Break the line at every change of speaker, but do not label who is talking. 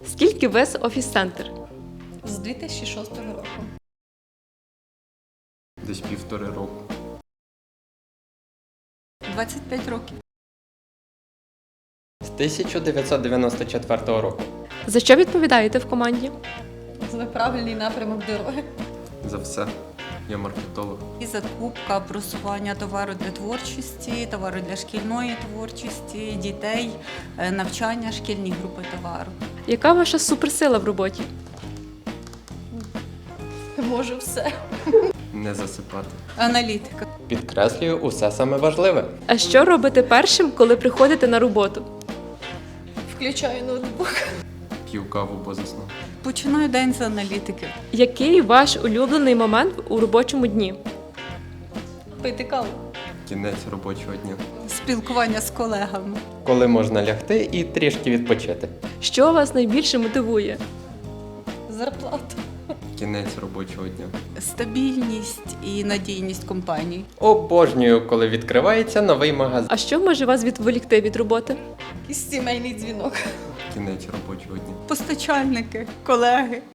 Скільки вес офіс-центр?
З 2006 року.
Десь 1,5 року.
25 років.
З 1994 року.
За що відповідаєте в команді?
За правильний напрямок дороги.
За все. Я маркетолог.
І закупка, просування товару для творчості, товару для шкільної творчості, дітей, навчання, шкільні групи товару.
Яка ваша суперсила в роботі?
Можу все.
Не засипати.
Аналітика.
Підкреслюю усе саме важливе.
А що робите першим, коли приходите на роботу?
Включаю ноутбук.
П'ю каву, бо заснув.
Починаю день з аналітики.
Який ваш улюблений момент у робочому дні?
Пити каву.
Кінець робочого дня.
Спілкування з колегами.
Коли можна лягти і трішки відпочити.
Що вас найбільше мотивує?
Зарплата.
Кінець робочого дня.
Стабільність і надійність компаній.
Обожнюю, коли відкривається новий магазин.
А що може вас відволікти від роботи?
Якийсь сімейний дзвінок.
Кінець робочого дня.
Постачальники, колеги.